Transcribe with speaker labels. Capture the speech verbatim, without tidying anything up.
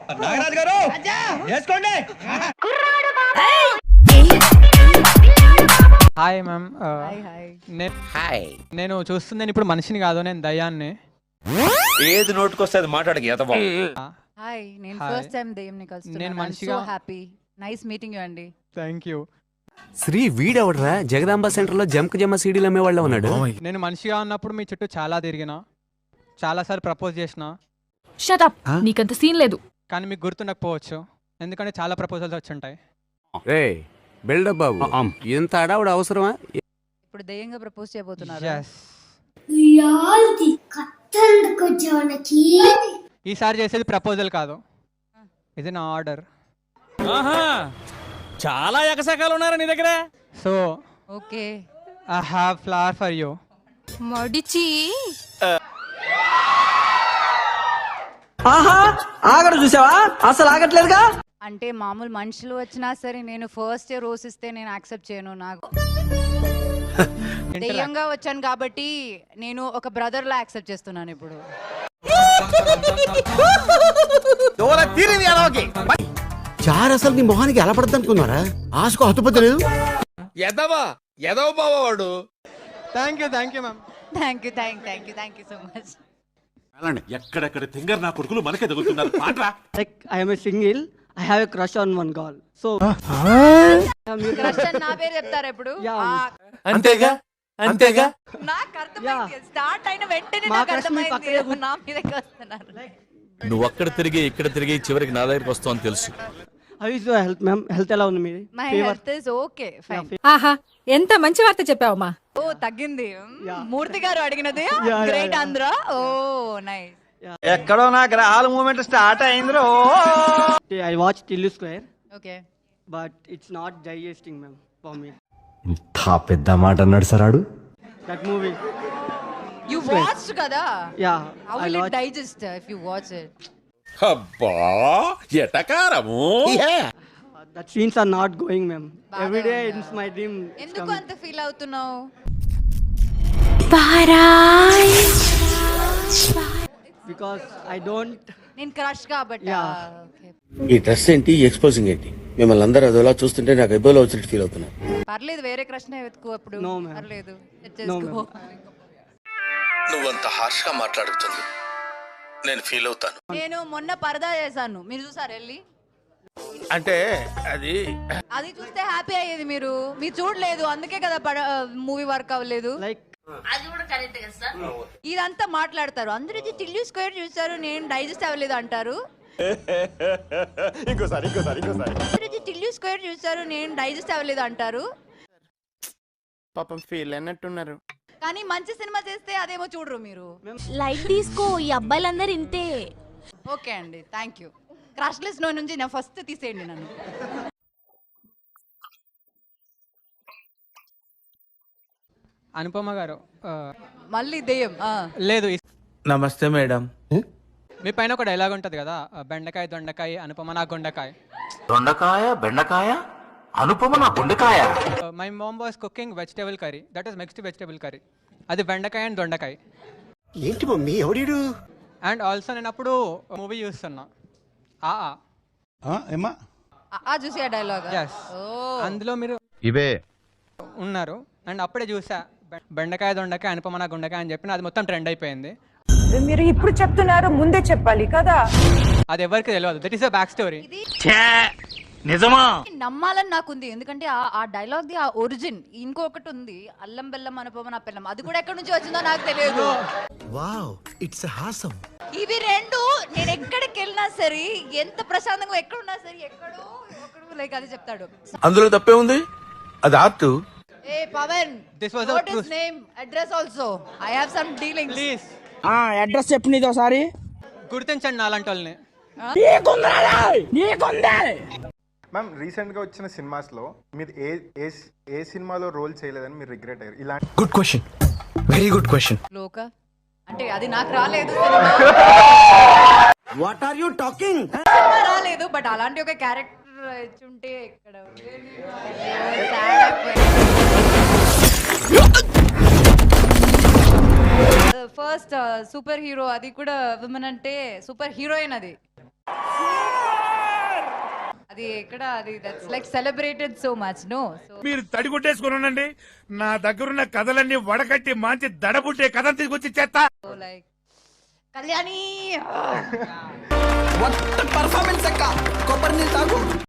Speaker 1: నాగరాజు గారు వేసుకోండి.
Speaker 2: Hi ma'am.
Speaker 3: Hi.
Speaker 2: నేను చూస్తుంది ఇప్పుడు మనిషిని కాదు, నేను దయ్యాన్ని.
Speaker 1: ఏది నోటుకొస్తే అది మాట్లాడకి ఎతబా.
Speaker 4: హాయ్, నేను
Speaker 2: Hi.
Speaker 4: ఫస్ట్ టైం దెయ్యంని కలుస్తున్నాను.
Speaker 2: నేను
Speaker 4: I'm
Speaker 2: మంచిగా-
Speaker 4: so happy. Nice meeting you అండి.
Speaker 2: Thank you.
Speaker 5: శ్రీ వీడెవడరా జగదాంబ సెంటర్ లో జంక్ జమ్మ సీడీలు అమ్మేవాళ్ళ ఉన్నాడు.
Speaker 2: నేను మనిషిగా ఉన్నప్పుడు మీ చుట్టూ చాలా తిరిగిన, చాలాసార్లు ప్రపోజ్ చేసిన,
Speaker 6: షట్ అప్, నీకంత సీన్ లేదు.
Speaker 2: కానీ మీకు గుర్తుండకపోవచ్చు ఎందుకంటే చాలా ప్రపోజల్స్ వచ్చుంటాయి.
Speaker 5: రే బిల్డప్ బాబు, ఇంత అడావుడు అవసరమా?
Speaker 4: ఇప్పుడు దెయ్యంగా ప్రపోజ్ చేయబోతున్నారు.
Speaker 2: Yes. ఈసారి చేసేది ప్రపోజల్ కాదు, ఇది నా ఆర్డర్.
Speaker 7: చాలా ఎకసకాలు ఉన్నారా నీ దగ్గర?
Speaker 2: So
Speaker 4: okay,
Speaker 2: I have flower for you.
Speaker 6: మడిచి
Speaker 7: ఆగడు చూసావా, అసలు ఆగట్లేదుగా.
Speaker 4: అంటే మామూలు మనుషులు వచ్చినా సరే నేను ఫస్ట్ రోజ్ ఇస్తే నేను యాక్సెప్ట్ చేయను. నాకు దెయ్యంగా వచ్చాను కాబట్టి నేను ఒక బ్రదర్ లా యాక్సెప్ట్ చేస్తున్నాను ఇప్పుడు.
Speaker 8: చార్ అసలు నీ మొహానికి ఎలా పడద్దు అనుకున్నారా? ఆశకు హతుపతి లేదు.
Speaker 1: ఎదవా ఎదవ బావాడు.
Speaker 2: Thank you thank you ma'am.
Speaker 4: Thank you thank thank you thank you so much.
Speaker 9: ఎక్కడెక్కడ తింగర్ నా కొడుకులు మనకే తగులుతున్నారు. పాట్రా.
Speaker 7: Like I am a single, I have a crush on one girl. So
Speaker 4: crush అని నా పేరు చెప్తారు ఎప్పుడు?
Speaker 7: Yeah.
Speaker 4: ఆ,
Speaker 9: అంతేగా అంతేగా.
Speaker 4: నాకు అర్థమైంది. స్టార్ట్ అయిన వెంటనే
Speaker 7: మా
Speaker 4: నాకు
Speaker 7: crush మీ
Speaker 4: అర్థమైంది
Speaker 7: పక్కనే కూర్చో-
Speaker 4: నా మీదకి వస్తున్నారు.
Speaker 9: నువ్వు అక్కడ తిరిగి ఇక్కడ తిరిగి చివరికి నా దగ్గరికి వస్తావు అని తెలుసు.
Speaker 7: how is your health, ma'am? Health ఎలా ఉంది మీది?
Speaker 4: My
Speaker 7: Fever?
Speaker 4: Health is okay fine.
Speaker 6: ఆహా, ఎంత మంచి వార్త చెప్పావమ్మా.
Speaker 4: ఓ తగ్గింది.
Speaker 7: Yeah.
Speaker 4: మూర్తి గారు అడిగినది
Speaker 7: yeah,
Speaker 4: great
Speaker 7: yeah.
Speaker 4: Andhra. Oh nice.
Speaker 7: ఎక్కడో నా గ్రహాల మూమెంట్ స్టార్ట్ అయింది. I watched Tillu Square,
Speaker 4: okay.
Speaker 7: but it's not digesting, ma'am, for me.
Speaker 8: ఇంత పెద్ద మాట అన్నాడు సరాడు.
Speaker 7: That movie.
Speaker 4: యు వాచ్డ్ కదా?
Speaker 7: Yeah.
Speaker 4: How
Speaker 7: I
Speaker 4: will it
Speaker 7: watched.
Speaker 4: Digest if you watch it?
Speaker 9: అబ్బా ఎటకారము.
Speaker 7: Uh, that scenes are not going, ma'am.
Speaker 4: బాగా
Speaker 7: Every day
Speaker 4: ఉందా?
Speaker 7: it's my dream. It's
Speaker 4: ఎందుకు
Speaker 7: coming.
Speaker 4: అంత ఫీల్ అవుతున్నావు?
Speaker 7: Because I don't.
Speaker 4: నేను crush కాబట్టి.
Speaker 7: Yeah.
Speaker 4: ఓకే,
Speaker 8: ఈ డ్రెస్ ఏంటి, ఎక్స్పోజింగ్ ఏంటి? మిమ్మల్ని అందరూ అదోలా చూస్తుంటే నాకు ఎబ్బోలో వచ్చినట్టు ఫీల్ అవుతున్నా.
Speaker 4: పర్లేదు, వేరే క్రష్ నే వెతుకు అప్పుడు.
Speaker 7: No, ma'am.
Speaker 4: పర్లేదు,
Speaker 7: No,
Speaker 4: చేసుకో.
Speaker 9: నువ్వంత హార్ష్ గా మాట్లాడుతుంది నేను ఫీల్ అవుతాను.
Speaker 4: నేను మొన్న పరదా చేశాను, మీరు చూసారు వెళ్ళి?
Speaker 9: అంటే అది
Speaker 4: అది చూస్తే హ్యాపీ అయ్యేది. మీరు మీరు చూడలేదు, అందుకే కదా మూవీ వర్క్ అవ్వలేదు.
Speaker 7: Like
Speaker 4: ఇదంతా మాట్లాడతారు అందరూ. ఇది టిల్లు స్క్వేర్ చూసారు, నేను డైజెస్ట్ అవ్వలేదు అంటారు.
Speaker 9: ఇంకోసారి ఇంకోసారి ఇంకోసారి.
Speaker 4: అందరూ ఇది టిల్లు స్క్వేర్ చూసారు, నేను డైజెస్ట్ అవ్వలేదు అంటారు.
Speaker 7: పాపం ఫీల్ అన్నట్టున్నారు.
Speaker 4: కానీ మంచి సినిమా చేస్తే అదేమో చూడరు మీరు.
Speaker 6: లైట్ తీసుకో, ఈ అబ్బాయిలందరూ ఇంతే.
Speaker 4: ఓకే అండి, థ్యాంక్ యూ. క్రష్ లిస్ట్ లో నుంచి నా ఫస్ట్ తీసేయండి నన్ను.
Speaker 2: అనుపమ గారు, ఆ,
Speaker 4: మళ్ళీ దెయ్యం. ఆ.
Speaker 2: లేదు ఈ-
Speaker 9: నమస్తే మేడం.
Speaker 2: మీ పైన ఒక డైలాగ్ ఉంటుంది కదా, ఆ, బెండకాయ దొండకాయ అనుపమ నా గుండకాయ.
Speaker 9: దొండకాయ బెండకాయ అనుపమ నా గుండెకాయ.
Speaker 2: My mom was cooking vegetable curry, that is mixed vegetable curry. అది బెండకాయ అండ్ దొండకాయ.
Speaker 8: ఏంటి మమ్మీ ఎవడీడు?
Speaker 2: అండ్ ఆల్సో నేను అప్పుడు మూవీ చూస్తున్నా ఆ
Speaker 1: ఏమా
Speaker 4: ఆ- ఆ చూసి ఆ డైలాగ్.
Speaker 2: Yes. అందులో మీరు
Speaker 1: ఇవే
Speaker 2: ఉన్నారు అండ్ అప్పుడే చూసా బె- బెండకాయ దొండకాయ అనుపమ నా గుండకాయ అని చెప్పి అది మొత్తం ట్రెండ్ అయిపోయింది.
Speaker 10: మీరు ఇప్పుడు చెప్తున్నారు, ముందే చెప్పాలి కదా.
Speaker 2: అది ఎవరికి తెలియదు, that is a back story.
Speaker 9: నిజమా?
Speaker 4: నమ్మాలని నాకుంది, ఎందుకంటే ఆ- ఆ డైలాగ్ ది ఆ ఒరిజిన్. ఇంకొకటి ఉంది, అల్లం బెల్లం అనుపమ నా పిల్లం, అది కూడా ఎక్కడి నుంచి వచ్చిందో నాకు తెలియదు.
Speaker 8: వావ్, ఇట్స్ హాసం.
Speaker 4: ఇవి రెండు నేను ఎక్కడికి వెళ్ళినా సరే, ఎంత ప్రశాంతంగా ఎక్కడున్నా సరే, ఎక్కడో ఒకడు లైక్ అది చెప్తాడు.
Speaker 9: అందులో తప్పే ఉంది, అది ఆర్ట్.
Speaker 4: ఏ Pawan,
Speaker 2: This was a
Speaker 4: what
Speaker 2: true-
Speaker 4: is name, address also, I have some dealings.
Speaker 2: Please
Speaker 7: address చెప్పు నీది ఒకసారి.
Speaker 2: గుర్తించండి నాలాంటి వాళ్ళని.
Speaker 11: మ్యామ్, రీసెంట్గా వచ్చిన సినిమాస్లో మీరు ఏ ఏ ఏ సినిమాలో రోల్ చేయలేదని మీరు రిగ్రెట్ అయ్యారు? ఇలాంటి
Speaker 8: good question, very good question.
Speaker 4: లోక అంటే అది నాకు రాలేదు,
Speaker 8: వాట్ ఆర్ యు టాకింగ్?
Speaker 4: సినిమా రాలేదు, బట్ అలాంటి ఒక క్యారెక్టర్ ఇచ్చుంటే ఇక్కడ ఫస్ట్ సూపర్ హీరో, అది కూడా విమెన్ అంటే సూపర్ హీరోయిన్ అది. అది ఎక్కడ అది that's like celebrated so much no so
Speaker 9: మీరు తడిగుడ్డేసుకుని ఉండండి, నా దగ్గరున్న కథలన్నీ వడకట్టి మంచి దడబుట్టే కథ తీసుకొచ్చి చేస్తా.
Speaker 4: లైక్ కళ్యాణి
Speaker 7: పర్ఫార్మెన్స్ అక్క కొబ్బరి నీళ్ళు తాగు